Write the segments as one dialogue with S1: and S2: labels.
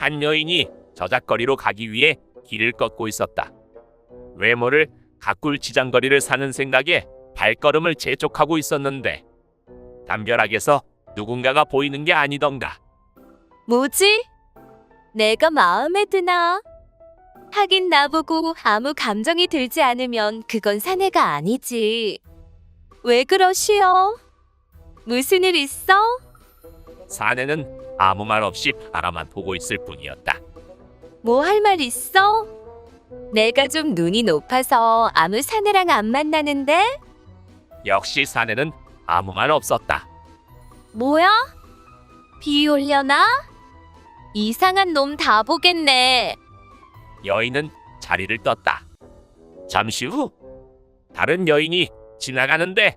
S1: 한 여인이 저작거리로 가기 위해 길을 걷고 있었다. 외모를 가꿀 치장거리를 사는 생각에 발걸음을 재촉하고 있었는데 담벼락에서 누군가가 보이는 게 아니던가.
S2: 뭐지? 내가 마음에 드나? 하긴 나보고 아무 감정이 들지 않으면 그건 사내가 아니지. 왜 그러시오? 무슨 일 있어?
S1: 사내는 아무 말 없이 바라만 보고 있을 뿐이었다.
S2: 뭐 할 말 있어? 내가 좀 눈이 높아서 아무 사내랑 안 만나는데?
S1: 역시 사내는 아무 말 없었다.
S2: 뭐야? 비 올려나? 이상한 놈 다 보겠네.
S1: 여인은 자리를 떴다. 잠시 후 다른 여인이 지나가는데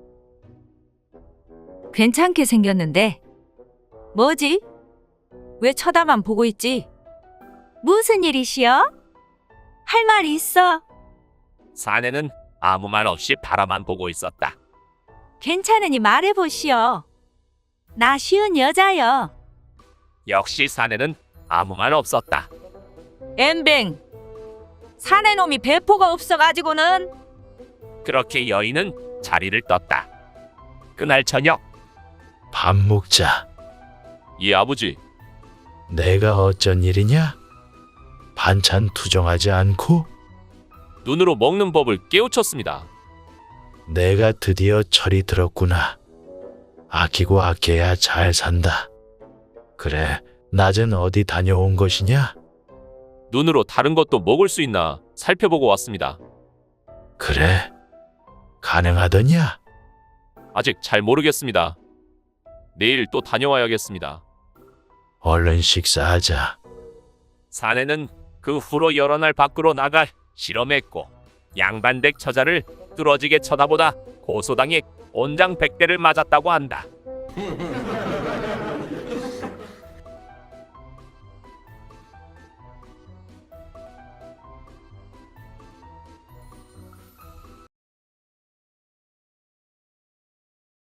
S3: 괜찮게 생겼는데. 뭐지? 왜 쳐다만 보고 있지? 무슨 일이시여? 할 말 있어?
S1: 사내는 아무 말 없이 바라만 보고 있었다.
S3: 괜찮으니 말해보시오. 나 쉬운 여자여.
S1: 역시 사내는 아무 말 없었다.
S3: 엠뱅. 사내놈이 배포가 없어가지고는.
S1: 그렇게 여인은 자리를 떴다. 그날 저녁
S4: 밥 먹자.
S1: 이 아버지,
S4: 내가 어쩐 일이냐? 반찬 투정하지 않고
S1: 눈으로 먹는 법을 깨우쳤습니다.
S4: 내가 드디어 철이 들었구나. 아끼고 아껴야 잘 산다. 그래, 낮은 어디 다녀온 것이냐?
S1: 눈으로 다른 것도 먹을 수 있나 살펴보고 왔습니다.
S4: 그래, 가능하더냐?
S1: 아직 잘 모르겠습니다. 내일 또 다녀와야겠습니다.
S4: 얼른 식사하자.
S1: 사내는 그 후로 여러 날 밖으로 나가 실험했고 양반댁 처자를 뚫어지게 쳐다보다 고소당해 온장백대를 맞았다고 한다.